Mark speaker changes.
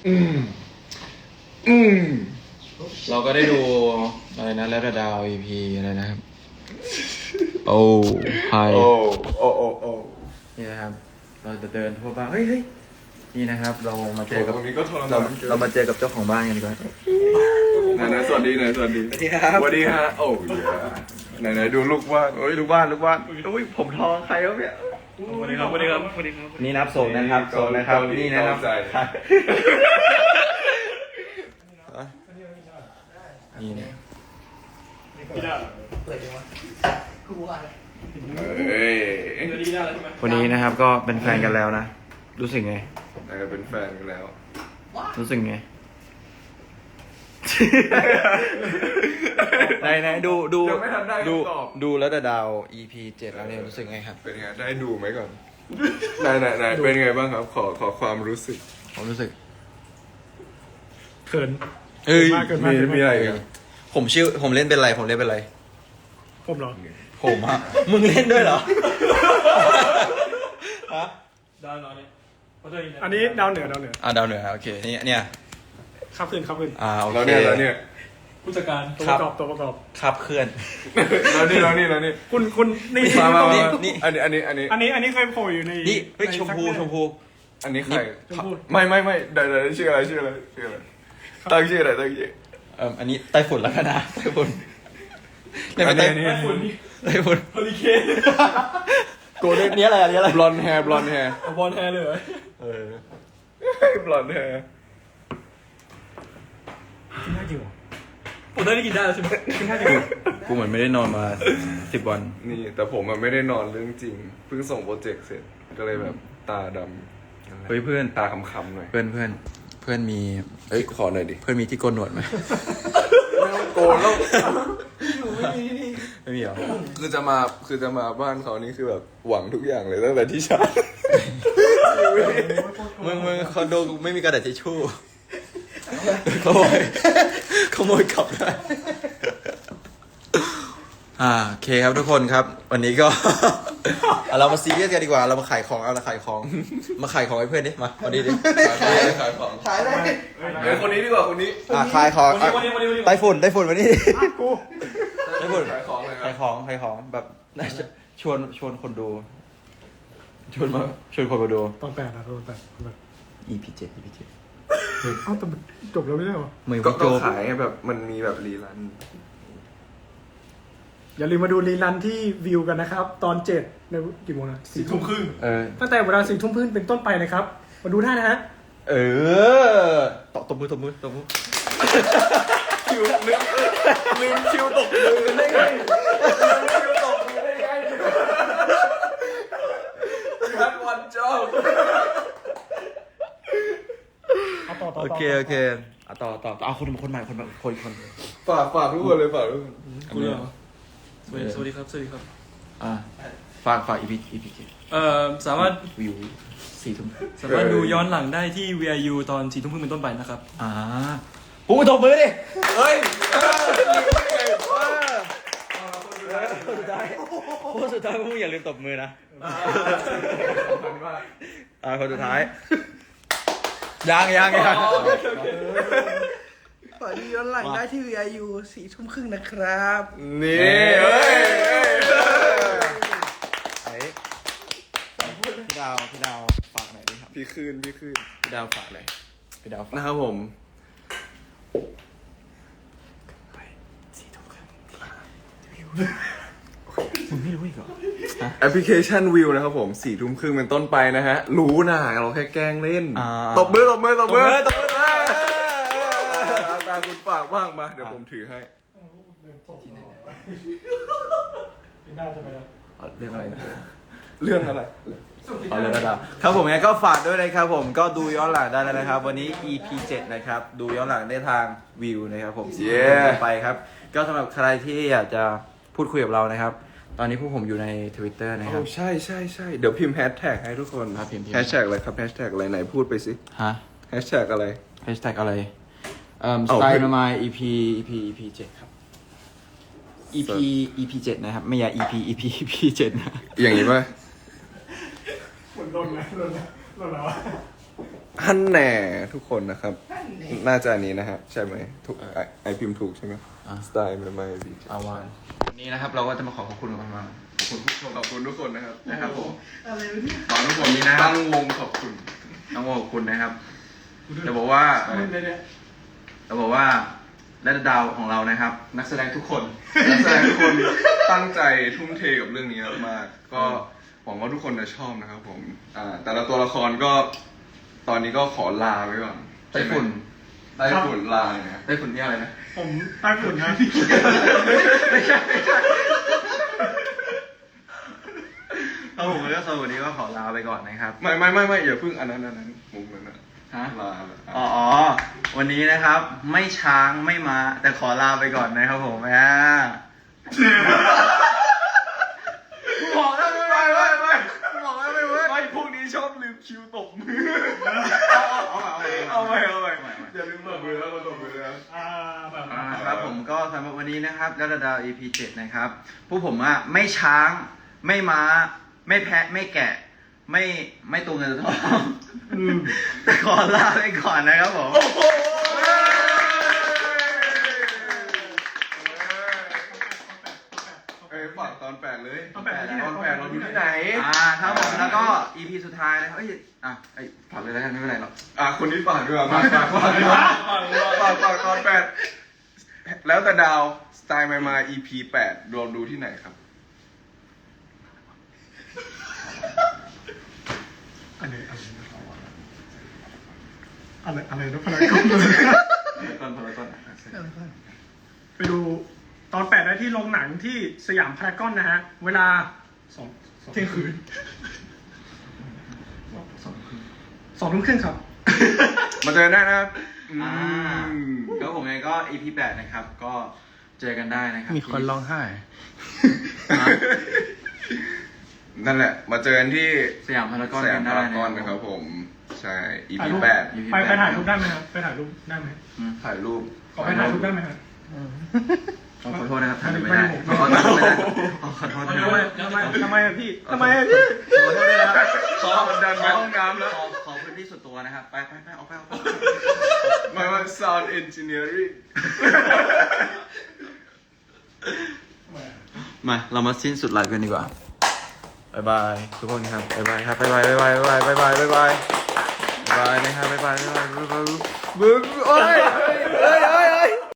Speaker 1: อืมอืมเราก็ได้ดูอะไรนะแล้วดาว EP อะไรนะครับโอ้ไฮ
Speaker 2: โอ้
Speaker 1: นี่นะครับเราจะเดินทั่วบ้านเฮ้ยนี่นะครับเรามาเจอกับ
Speaker 2: ตรงนี้ก็ทร
Speaker 1: เรา
Speaker 2: มาน
Speaker 1: เรามาเจอกับเจ้าของบ้านกันดีกว่า
Speaker 2: ไหนสวัสดีหน่อยสวัสดี
Speaker 1: สวัสดีครับ
Speaker 2: สวัสดีฮะโอ้ยไหนดูลูกบ้านโอ้ยลูกบ้าน
Speaker 1: อุ้ยผมทองใครครับเนี่ย
Speaker 3: สวัสดีครับสวัสดีครับสวัสดีครับ
Speaker 1: นี่นับโซนนะครับโซนนะครับนี่นะครับนี่เนี่ย
Speaker 2: เฮ้ย
Speaker 1: วันนี้นะครับก็เป็นแฟนกันแล้วนะรู้สึกไง
Speaker 2: เป็นแฟนกันแล้ว
Speaker 1: รู้สึกไง ไหนดูดูแล้วแต่ดาว EP 7แล้วเนี่ยรู้สึกไงครับ
Speaker 2: เป็นไงได้ดูไหมก่อนไหนเป็นไงบ้างครับขอความรู้สึก
Speaker 1: ผมรู้สึก
Speaker 3: เขิน
Speaker 1: เอ้ย
Speaker 2: มีอะไรกัน
Speaker 1: ผมเล่นเป็นไรผมเหรอ ผมอะมึงเล่นด้วยเหรอฮะ
Speaker 3: ดาวน้อยเนี่ย
Speaker 4: อันนี้ดาวเหนือ
Speaker 1: ดาวเหนือโอเคเนี่ย
Speaker 4: ครับขึ้น
Speaker 1: โอ
Speaker 2: แล้ว
Speaker 1: เค
Speaker 2: เนี่ย
Speaker 3: ผู้จัดการ
Speaker 4: ตัวประกอบตัวประกอบ
Speaker 1: ครับเคลื่อน
Speaker 2: แล้วนี่
Speaker 4: คุณนี่
Speaker 2: มา
Speaker 1: นี่
Speaker 2: อันนี้
Speaker 4: เคยโผล่อยู่ใน
Speaker 1: นี่เฮ้ยชมพู
Speaker 2: อันนี้ใคร
Speaker 4: ชมพู
Speaker 2: ไม่เดี๋ยวชื่ออะไรตั้งชื่ออะไร
Speaker 1: อันนี้ไต้ฝุ่นแล้วกันนะไต้ฝุ่นเล่นเป็นไต้
Speaker 2: อันนี้
Speaker 1: ฝุ่น
Speaker 3: เฮอริเคน
Speaker 2: โกลเด้น
Speaker 1: อันนี้อะไร
Speaker 2: บลอนด์แฮร์
Speaker 3: บอลแฮร์เลยเหรอบ
Speaker 2: ลอนด์แฮร์
Speaker 4: กินได้จริงเหรอ
Speaker 3: ผมได้กินได้แล้วใช่ไหม
Speaker 4: กินได้จริงเหรอ
Speaker 1: กูเหมือนไม่ได้นอนมา10 วัน
Speaker 2: นี่แต่ผมไม่ได้นอนเรื่องจริงเพิ่งส่งโปรเจกต์เสร็จก็เลยแบบตาดำ
Speaker 1: เฮ้ยเพื่อน
Speaker 2: ตาคำๆหน่อย
Speaker 1: เพื่อนมี
Speaker 2: เฮ้ยขอหน่อยดิ
Speaker 1: เพื่อนมีที่โกนหนวดไหม
Speaker 2: ไม่ต้องโกนแล้ว
Speaker 1: ไม่มีเหรอ
Speaker 2: คือจะมาบ้านเขานี่คือแบบหวังทุกอย่างเลยตั้งแต่ที่เช้า
Speaker 1: มึงคอนโดกูไม่มีกระดาษทิชชู่ขโมยกลับได้โอเคครับทุกคนครับ วันนี้ก็ เรามาซีเรียสกันดีกว่าเรามาขายของมาขายของให้เพื่อนดิมาวันนี้ดิ
Speaker 2: ขายของ
Speaker 1: ขายได้
Speaker 2: เดี๋ยวคนนี้ดีกว่าคนนี้
Speaker 1: ขายของ
Speaker 3: วันนี้
Speaker 1: ไต้ฝุ่นวันนี้
Speaker 4: กู
Speaker 1: ไต้ฝุ่น
Speaker 2: ขายของเลยครั
Speaker 1: ขายของแบบน่าจะชวนคนดูชวนคนมาดู
Speaker 4: ตอน8นะตอน8
Speaker 1: EP 7
Speaker 4: เอ้าแต่จบแล้วไม่ใช่เหรอ
Speaker 1: มือ
Speaker 2: ก็
Speaker 1: พี่โจ
Speaker 2: ขายแบบมันมีแบบรีรัน
Speaker 4: อย่าลืมมาดูรีลันที่วิวกันนะครับ ตอน7ในกี่โมงนะ
Speaker 3: 4 ทุ่มครึ่ง
Speaker 4: ตั้งแต่เวลา4 ทุ่มครึ่งเป็นต้นไปนะครับ มาดูได้นะฮะ
Speaker 1: ตบมือ
Speaker 2: คิวลืมคิวตกมือได้ไงคิวตกมือได้ไงทันวันเจ้า
Speaker 4: เอาต่อ
Speaker 1: โอเคต่อเอาคนใหม่คน
Speaker 2: ฝากทุกคนเลยฝากทุกคน
Speaker 3: คุณเหรอสวัสดีครับ
Speaker 1: ฝาก EP
Speaker 3: สามารถ
Speaker 1: วิว4 ทุ่ม
Speaker 3: สามารถดูย้อนหลังได้ที่ VIU ตอน4 ทุ่มครึ่งเป็นต้นไปนะครับ
Speaker 1: ปูตบมือดิ
Speaker 2: เฮ้ย
Speaker 1: คนสุดท้ายพวกมึงอย่าลืมตบมือนะคนสุดท้ายยัง
Speaker 5: เปิดย้อนหลังได้ที่ VIU 4 ทุ่มครึ่งนะครับ
Speaker 2: นี่เฮ้ย
Speaker 1: พี่ดาวฝากหน่อยดิครับ
Speaker 2: พี่คืน
Speaker 1: พี่ดาวฝากเลยพี่ดาวฝาก
Speaker 2: นะครับผม
Speaker 1: มึงไม่รู้อีกเหรอ
Speaker 2: แอปพลิเคชันวิวนะครับผม4 ทุ่มครึ่งเป็นต้นไปนะฮะรู้นะเราแค่แกล้งเล่นตบมือตาคุณฝากบ้างมาเดี๋ยวผมถือให้
Speaker 4: ได้ใช่ไหมครับ
Speaker 1: เรื่องอะไรนะ
Speaker 2: เรื่องอะไร
Speaker 1: เอาเลยนะครับครับผมงั้นก็ฝากด้วยนะครับผมก็ดูย้อนหลังได้แล้วนะครับ วันนี้ EP 7นะครับดูย้อนหลังได้ทางวิวนะครับผมไปครับก็สำหรับใครที่อยากจะพูดคุยกับเรานะครับ ตอนนี้พวกผมอยู่ใน Twitter นะครับ
Speaker 2: ใช่เดี๋ยวพิมพ์แฮชแท็กให้ทุกคน
Speaker 1: พิมพ์
Speaker 2: แฮชแท็กอะไรครับแฮชแท็กอะไรไหนพูดไปสิ
Speaker 1: ฮะ
Speaker 2: แฮชแท็กอะไร
Speaker 1: Hashtag อะไรสไตล์มา EP 7ครับ EP 7นะครับไม่อย่า EP 7นะ
Speaker 2: อย่างนี้ป่ะ
Speaker 4: เหมือนโดนแล้ว
Speaker 2: ฮันแหน่ทุกคนนะครับ น่าจะอันนี้นะครับใช่ไหมถูกไอพิมพ์ถูกใช่ไหมสไตล์ไม่ดี
Speaker 1: เอาวันวันนี้นะครับเราก็จะมาขอบคุณกันมากขอบคุณผู้ชม
Speaker 2: ขอบคุณทุกคนนะครับ
Speaker 1: นะครับผม
Speaker 5: อะไรวะเนี่ย
Speaker 1: ขอบคุณทุกคนนี้นะครั
Speaker 2: ตั้
Speaker 1: บ
Speaker 2: งวงขอบคุณ
Speaker 1: ต้องขอบคุณนะครับจะบอกว่าจะบอกว่าและดาวของเรานะครับ นักแสดงทุกคน
Speaker 2: นักแสดงทุกคนตั้งใจทุ่มเทกับเรื่องนี้มากๆก็หวังว่าทุกคนจะชอบนะครับผมแต่ละตัวละครก็ตอนนี้ก็ขอลาไว้ก่อน
Speaker 1: ไต้ฝุ่น
Speaker 2: ไต้ฝุ่นลาเนี่ย
Speaker 1: ไต้ฝุ่นนี่อะไรนะ
Speaker 4: ผมใต้ฝุ่นนะ
Speaker 1: ไม่ใช่ครับผมแล้วก็สวัสดีก็ขอลาไปก่อนนะครับ
Speaker 2: ไม่อย่าเพิ่งอันนั้นมุมนั้นนะ
Speaker 1: ฮะ
Speaker 2: ลา
Speaker 1: อ๋อ วันนี้นะครับ ไม่ช้างไม่มาแต่ขอลาไปก่อนนะครับผมบอกแล้วไม่บอกแล้วไม่เว้ย
Speaker 2: ไม่พวกนี้ชอบลืมคิวตบมือ
Speaker 1: เอาไป
Speaker 2: อย่าลืมตบมือแล้วตบมือแล้ว
Speaker 1: ครับผมก็สำหรับวันนี้นะครับดาว EP 7 นะครับผู้ผมอะไม่ช้างไม่ม้า ไม่แพะไม่แกะ ไม่ตัวเงินตัวทองแต่ขอลาไปก่อนนะครับผม
Speaker 2: ฝากตอน8เลย
Speaker 4: ตอนแปดที่ไหน
Speaker 2: ตอน8เราดูที่ไหน
Speaker 1: ครับผมแล้วก็ EP สุดท้ายนะครับฝากเลยแล้วกันไม่เป็นไรหรอก
Speaker 2: คนนี้ฝากด้วยฝากตอน8แล้วแต่ดาวสไตล์มา EP 8รวมดูที่ไหนครับ
Speaker 4: อะไรนะพลังกล้องเลย
Speaker 1: ต้น
Speaker 4: ไปดูตอน8ได้ที่โรงหนังที่สยามพารากอนนะฮะ เวลาเที่ยงคืน2 ทุ่มครึ่งครับ
Speaker 2: มาเจอได้นะครับ
Speaker 1: ก็ผมไงก็ EP 8 นะครับ ก็เจอกันได้นะครับ
Speaker 3: มีคนร้องไห้
Speaker 2: นั่นแหละ มาเจอกันที่
Speaker 1: สยามพารากอน
Speaker 2: สยาม
Speaker 1: กัน
Speaker 2: พา
Speaker 1: ได้
Speaker 2: รากอน
Speaker 1: นะ
Speaker 2: นะ
Speaker 1: ค
Speaker 2: ค
Speaker 1: รั
Speaker 2: รั
Speaker 1: บบ
Speaker 2: ผม ใช่ EP
Speaker 4: ถ่ายรูป
Speaker 2: 8
Speaker 4: ไปถ่ายรูปได้ไหมครับไปถ่ายรูปได้ไหม
Speaker 2: ถ่ายรูป
Speaker 4: ขอไปถ่ายรูปได้ไหมครับ
Speaker 1: ขอโทษนะครับท่านไม่
Speaker 4: ไม่
Speaker 1: ได้
Speaker 4: ได้
Speaker 1: ขอโทษไม่ได้ขอโทษ
Speaker 4: ทำไมอะพี่ทำไมอะพี่
Speaker 1: ขอโทษด้วยนะครับ
Speaker 2: ขอดันไปห้องน้ำแล้ว
Speaker 1: ขอพื้นที่ส่วนตัวนะครับ ไปออกไป
Speaker 2: ไม่ว่า sound engineering
Speaker 1: มาเรามาสิ้นสุดไลฟ์กันดีกว่าบ๊ายบายทุกคนครับบ๊ายบายครับบ๊ายบายนะครับบ๊ายบายโอ้ย